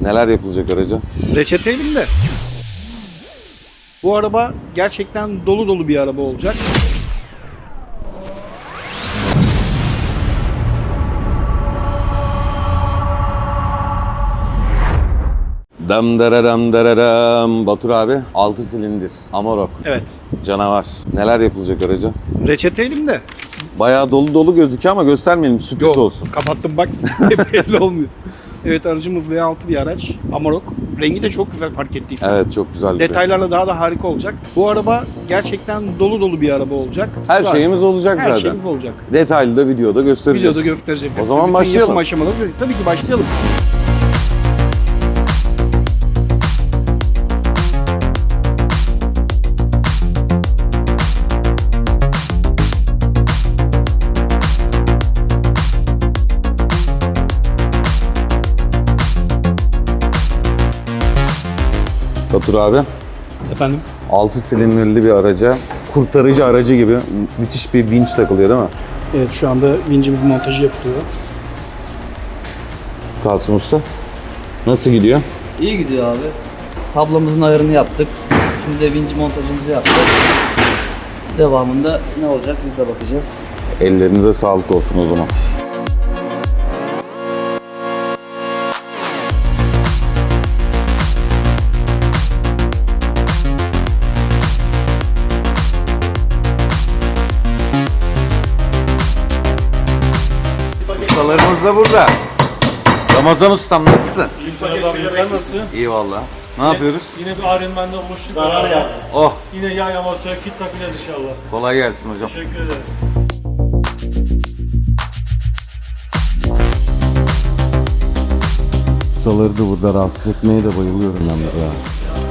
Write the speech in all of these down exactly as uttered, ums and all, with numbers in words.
Neler yapılacak araca? Reçete elimde. Bu araba gerçekten dolu dolu bir araba olacak. Dam dararam dararam. Batur abi altı silindir. Amarok. Evet. Canavar. Neler yapılacak araca? Reçete elimde. Bayağı dolu dolu gözüküyor ama göstermeyelim, sürpriz Yok, olsun. kapattım bak. Belli olmuyor. Evet, aracımız V altı bir araç. Amarok. Rengi de çok güzel fark ettiysen. Evet, çok güzel. bir Detaylarla daha da harika olacak. Bu araba gerçekten dolu dolu bir araba olacak. Her Zaten şeyimiz olacak Her zaten. şeyimiz olacak. Detaylı da videoda göstereceğiz. Videoda göstereceğim. O zaman Bütün başlayalım. yapım aşamaları böyle. Tabii ki başlayalım. Batur abi Efendim? altı silindirli bir araca, kurtarıcı aracı gibi müthiş bir vinç takılıyor değil mi? Evet, şu anda vincimiz montajı yapılıyor. Kasım Usta. Nasıl gidiyor? İyi gidiyor abi. Tablomuzun ayarını yaptık. Şimdi de vinci montajımızı yaptık. Devamında ne olacak biz de bakacağız. Ellerinize sağlık olsun o zaman. Ustalarımız da burada. Ramazan Ustam nasılsın? İyi Ferhat abi, sen nasılsın? İyi valla. Ne yapıyoruz? Yine bir Ironman'de boşluk var abi. Oh, Yine yağ yamazlığa kit takacağız inşallah. kolay gelsin hocam. Teşekkür ederim. Ustaları da burada rahatsız etmeye de bayılıyorum ben de ya.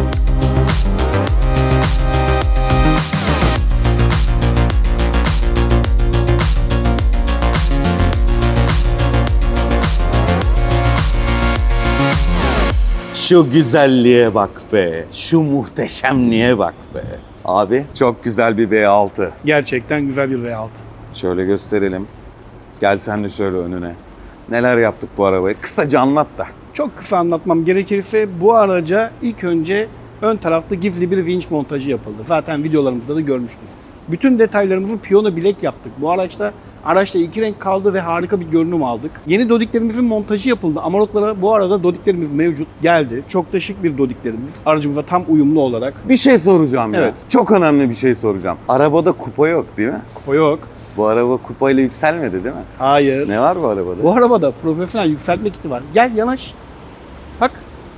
Şu güzelliğe bak be, şu muhteşemliğe bak be. Abi çok güzel bir V altı. Gerçekten güzel bir V altı. Şöyle gösterelim. Gel sen de şöyle önüne. Neler yaptık bu arabaya? Kısaca anlat da. Çok kısa anlatmam gerekirse bu araca ilk önce ön tarafta gizli bir vinç montajı yapıldı. Zaten videolarımızda da görmüştünüz. Bütün detaylarımızı piyano bilek yaptık. Bu araçta araçta iki renk kaldı ve harika bir görünüm aldık. Yeni dodiklerimizin montajı yapıldı. Amaroklara bu arada dodiklerimiz mevcut. Geldi. Çok da şık bir dodiklerimiz. Aracımıza tam uyumlu olarak. Bir şey soracağım ya. Evet. Çok önemli bir şey soracağım. Arabada kupa yok değil mi? Kupa yok. Bu araba kupayla yükselmedi değil mi? Hayır. Ne var bu arabada? Bu arabada profesyonel yükseltme kiti var. Gel yanaş. Bak.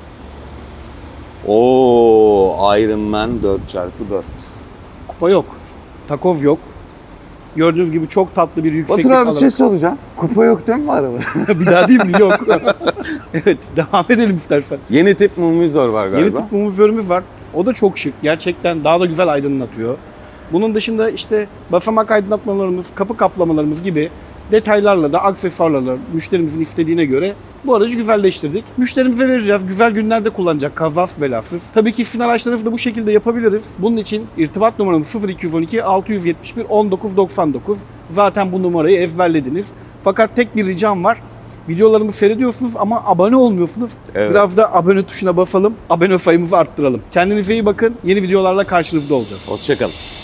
Oo, Iron Man dört çarpı dört. Kupa yok. Takoz yok. Gördüğünüz gibi çok tatlı bir yükseklik Batur abi bir alanı. şey soracağım. Kupa yok değil mi bu arabada? Bir daha değil mi? Yok. Evet, devam edelim istersen. Yeni tip mumizor var galiba. Yeni tip mumiförümüz var. O da çok şık. Gerçekten daha da güzel aydınlatıyor. Bunun dışında işte basamak aydınlatmalarımız, kapı kaplamalarımız gibi detaylarla da aksesuarlarla müşterimizin istediğine göre bu aracı güzelleştirdik. Müşterimize vereceğiz. Güzel günlerde kullanacak. Kazas belasız. Tabii ki final araçlarımızı da bu şekilde yapabiliriz. Bunun için irtibat numaramız sıfır iki on iki altı yüz yetmiş bir on dokuz doksan dokuz. Zaten bu numarayı ezberlediniz. Fakat tek bir ricam var. Videolarımı seyrediyorsunuz ama abone olmuyorsunuz. Evet. Biraz da abone tuşuna basalım. Abone sayımızı arttıralım. Kendinize iyi bakın. Yeni videolarla karşınızda olacağız. Hoşçakalın.